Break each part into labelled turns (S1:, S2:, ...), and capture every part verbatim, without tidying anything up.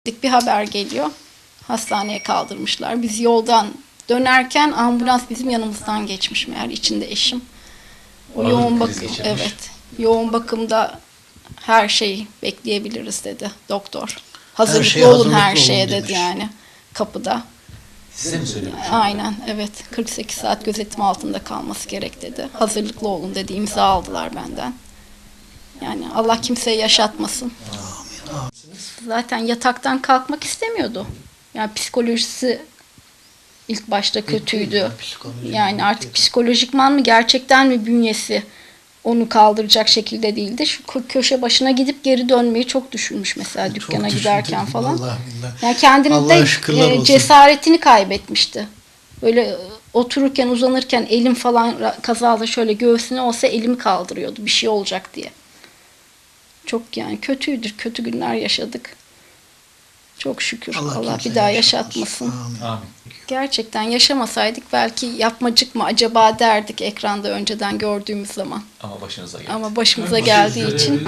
S1: Bir haber geliyor. Hastaneye kaldırmışlar. Biz yoldan dönerken ambulans bizim yanımızdan geçmiş meğer, içinde eşim. O
S2: Ağır
S1: yoğun
S2: kriz
S1: bakım,
S2: geçirmiş.
S1: evet. Yoğun bakımda her şeyi bekleyebiliriz dedi doktor. Hazırlıklı
S3: şeye
S1: olun
S3: hazırlıklı
S1: her
S3: olun
S1: şeye dedi
S3: demiş.
S1: yani kapıda.
S2: Size mi söylemiş?
S1: Aynen, evet. kırk sekiz saat gözetim altında kalması gerek dedi. Hazırlıklı olun dedi. İmza aldılar benden. Yani Allah kimseye yaşatmasın. Zaten yataktan kalkmak istemiyordu. Yani psikolojisi ilk başta kötüydü. Yani artık psikolojikman mı gerçekten mi bünyesi onu kaldıracak şekilde değildi. Şu kö- köşe başına gidip geri dönmeyi çok düşünmüş mesela dükkana
S3: Çok
S1: giderken
S3: düşündüm,
S1: falan.
S3: vallahi billahi.
S1: Yani kendini
S3: Allah'a
S1: de
S3: şükürler
S1: e,
S3: olsun.
S1: cesaretini kaybetmişti. Böyle e, otururken uzanırken elim falan ra- kazada şöyle göğsüne olsa elimi kaldırıyordu bir şey olacak diye. Çok yani kötüydür. Kötü günler yaşadık. Çok şükür. Allah,
S3: Allah
S1: bir
S3: kimseye
S1: daha
S3: yaşatmasın.
S1: yaşatmasın.
S3: Amin.
S2: Amin.
S1: Gerçekten yaşamasaydık belki yapmacık mı acaba derdik ekranda önceden gördüğümüz zaman.
S2: Ama başınıza geldi.
S1: Ama başımıza geldiği için.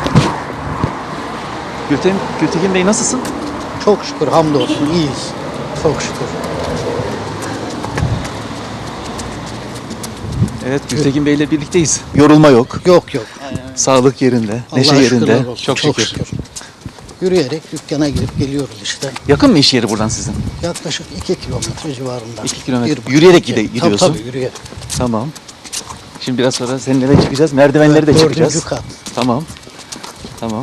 S4: Gültekin, Gültekin Bey nasılsın?
S3: Çok şükür, hamdolsun, iyiyiz. Çok şükür.
S4: Evet, Gültekin Bey ile birlikteyiz. Yorulma yok,
S3: Yok yok.
S4: sağlık yerinde, neşe
S3: Allah'a
S4: yerinde.
S3: şükürler olsun.
S4: Çok şükür.
S3: Yürüyerek dükkana girip geliyoruz işte.
S4: Yakın mı iş yeri buradan sizin?
S3: Yaklaşık iki kilometre civarında.
S4: İki kilometre.
S3: Bir buçuk,
S4: Yürüyerek
S3: iki.
S4: gide-
S3: Tabii,
S4: gidiyorsun.
S3: Tabii yürüyerek.
S4: Tamam. Şimdi biraz sonra seninle de çıkacağız. Merdivenleri de
S3: Evet,
S4: çıkacağız.
S3: dördüncü kat.
S4: Tamam. Tamam.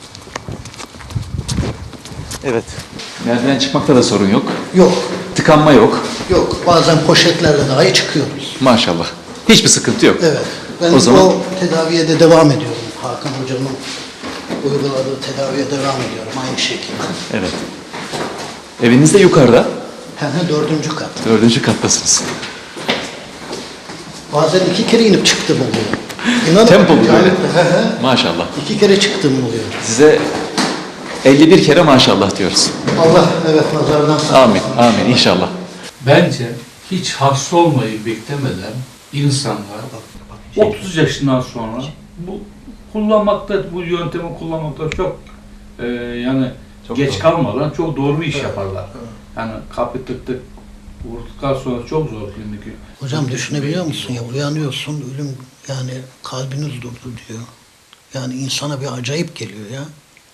S4: Evet. Merdiven çıkmakta da sorun yok.
S3: Yok.
S4: Tıkanma yok.
S3: Yok. Bazen poşetlerle dahi çıkıyoruz.
S4: Maşallah. Hiçbir sıkıntı yok.
S3: Evet. Ben
S4: O
S3: o,
S4: zaman-
S3: tedaviye de devam ediyorum. Hakan Hoca'nın uyguladığı tedaviye devam ediyorum aynı şekilde.
S4: Evet. Eviniz de yukarıda.
S3: Hem de dördüncü kat.
S4: Dördüncü kattasınız.
S3: Bazen iki kere inip çıktım oluyor. İnanın.
S4: Tempo mu
S3: yani,
S4: böyle?
S3: he he.
S4: Maşallah.
S3: İki kere çıktım oluyor.
S4: Size elli bir kere maşallah diyoruz.
S3: Allah evet nazardan saklasın.
S4: Amin. Amin inşallah.
S5: Bence hiç hasta olmayı beklemeden insanlar otuz yaşından sonra bu kullanmakta, bu yöntemi kullanmakta çok e, yani
S4: Çok
S5: geç
S4: doğru.
S5: kalmadan çok doğru bir iş yaparlar. Yani kapı tık tık vurduktan sonra çok zor klinik.
S3: Hocam düşünebiliyor musun ya, uyanıyorsun ölüm, yani kalbiniz durdu diyor. Yani insana bir acayip geliyor ya.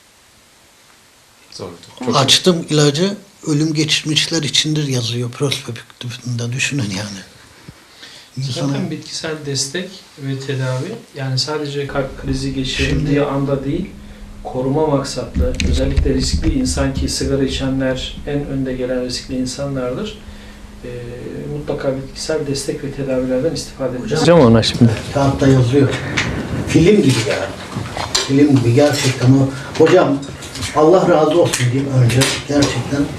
S4: Zordu.
S3: Açtım ilacı, ölüm geçirmişler içindir yazıyor prospektüfünde, düşünün yani. İnsana,
S6: Zaten bitkisel destek ve tedavi yani sadece kalp krizi geçirildiği anda değil, koruma maksatlı, özellikle riskli insan ki sigara içenler en önde gelen riskli insanlardır. Ee, mutlaka bitkisel destek ve tedavilerden istifade edeceğiz.
S3: Hocam
S6: ona şimdi.
S3: kağıtta yazıyor. Film gibi yani. Film gibi gerçekten o. Hocam Allah razı olsun diyeyim önce gerçekten.